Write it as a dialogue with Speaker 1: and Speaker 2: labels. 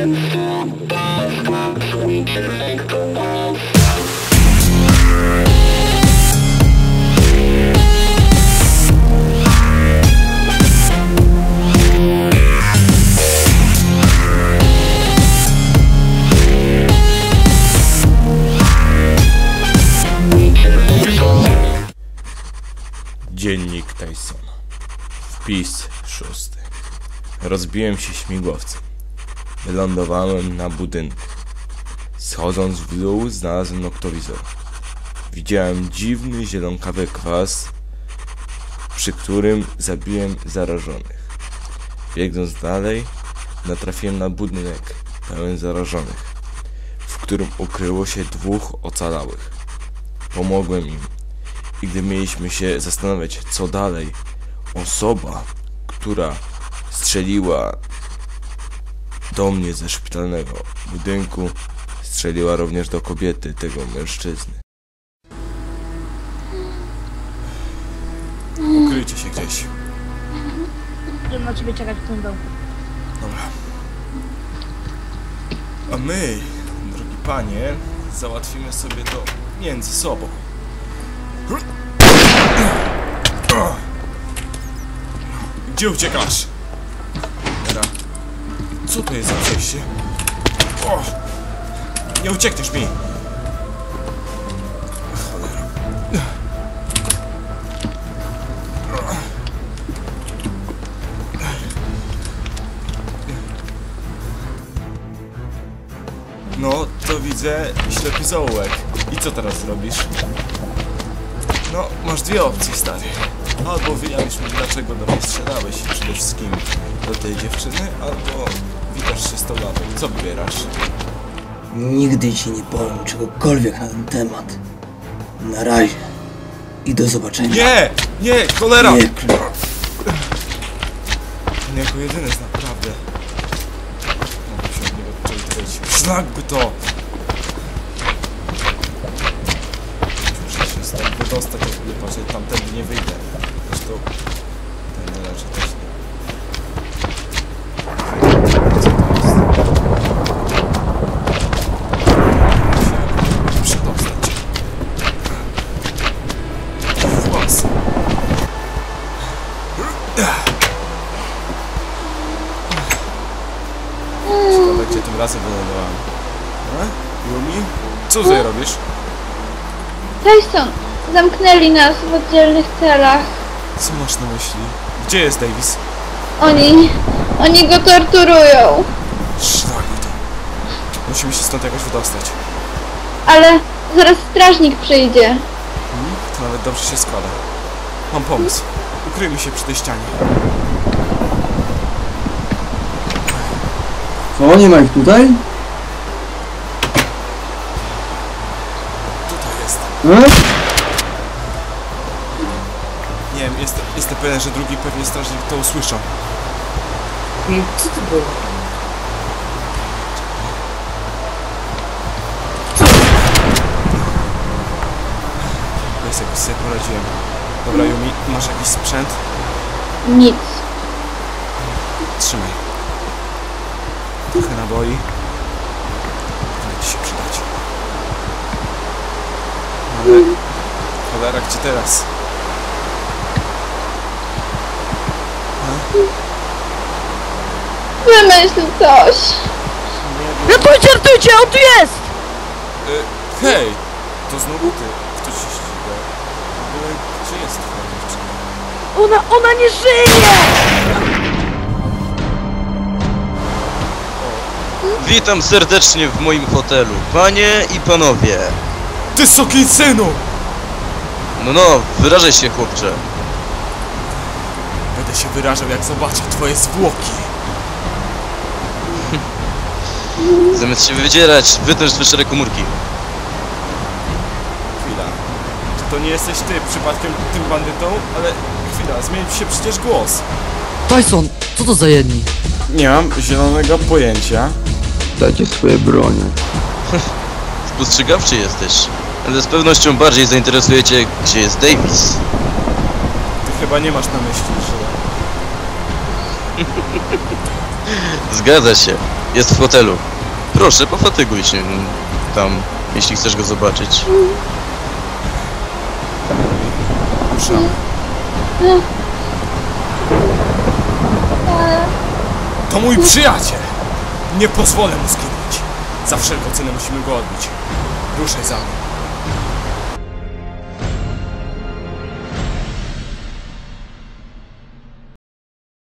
Speaker 1: Dziennik Tysona. Wpis 6. Rozbiłem się śmigłowcem. Wylądowałem na budynku. Schodząc w dół, znalazłem noktowizor. Widziałem dziwny, zielonkawy kwas, przy którym zabiłem zarażonych. Biegnąc dalej, natrafiłem na budynek pełen zarażonych, w którym ukryło się 2 ocalałych. Pomogłem im. I gdy mieliśmy się zastanawiać, co dalej, osoba, która strzeliła do mnie ze szpitalnego budynku, strzeliła również do kobiety, tego mężczyzny. Ukryjcie się gdzieś.
Speaker 2: Będę na ciebie czekać w tym domku.
Speaker 1: Dobra. A my, drogi panie, załatwimy sobie to między sobą. Gdzie uciekasz? Dobra. Co to jest za przejście? O! Nie uciekniesz mi! Cholera. No, to widzę ślepy zaułek. I co teraz zrobisz? No, masz 2 opcje, stary. Albo wyjawisz mi, dlaczego do mnie strzelałeś i przede wszystkim do tej dziewczyny, albo witasz się z tą lamą. Co wybierasz?
Speaker 3: Nigdy ci nie powiem czegokolwiek na ten temat. Na razie. I do zobaczenia.
Speaker 1: Nie! Nie! Cholera!
Speaker 3: Nie,
Speaker 1: On jako jedyny jest naprawdę. Mogę się od niego odczepić. Szlak by to! Muszę się stąd wydostać, jak nie patrzę, tamtędy nie wyjdę. Zresztą ten leży też nie. Co to jest? Musiałem przedostać. Włas. Ciekawe, gdzie tym razem wylądowałem. Yumi? Co tutaj robisz?
Speaker 2: Tyson, zamknęli nas w oddzielnych celach.
Speaker 1: Co masz na myśli? Gdzie jest Davis?
Speaker 2: Oni go torturują.
Speaker 1: Szlak to. Musimy się stąd jakoś wydostać.
Speaker 2: Ale zaraz strażnik przyjdzie.
Speaker 1: To nawet dobrze się składa. Mam pomysł. Ukryjmy się przy tej ścianie.
Speaker 3: Co, nie ma ich tutaj?
Speaker 1: Tutaj jest.
Speaker 3: Hmm?
Speaker 1: Nie wiem, jestem pewien, że drugi pewnie strażnik to usłyszał.
Speaker 3: Co to było?
Speaker 1: Jest jakoś sobie poradziłem. Dobra, Yumi, masz jakiś sprzęt?
Speaker 2: Nic.
Speaker 1: Trzymaj. Trochę naboi. Może ci się przydać. Ale... Cholera, gdzie teraz?
Speaker 2: Wymyśl coś.
Speaker 4: Ratujcie, ratujcie, on tu jest!
Speaker 1: Hej! To znowu ty. Kto ci ściga? Gdzie jest twoja dziewczyna?
Speaker 4: Ona nie żyje!
Speaker 5: Witam serdecznie w moim hotelu, panie i panowie.
Speaker 1: Ty sukinsynu!
Speaker 5: No, wyrażaj się, chłopcze.
Speaker 1: Będę się wyrażał, jak zobaczę twoje zwłoki.
Speaker 5: Zamiast się wydzierać, wytęż z wyższej komórki.
Speaker 1: Chwila. Czy to nie jesteś ty przypadkiem tym bandytą? Ale chwila, zmienił ci się przecież głos.
Speaker 4: Tyson, co to za jedni?
Speaker 1: Nie mam zielonego pojęcia.
Speaker 3: Dajcie swoje bronie.
Speaker 5: Spostrzegawczy jesteś. Ale z pewnością bardziej zainteresuje cię, gdzie jest Davis.
Speaker 1: Ty chyba nie masz na myśli, że...
Speaker 5: Zgadza się. Jest w fotelu. Proszę, pofatyguj się tam, jeśli chcesz go zobaczyć.
Speaker 1: Ruszamy. To mój przyjaciel! Nie pozwolę mu zginąć. Za wszelką cenę musimy go odbić. Ruszaj za mną.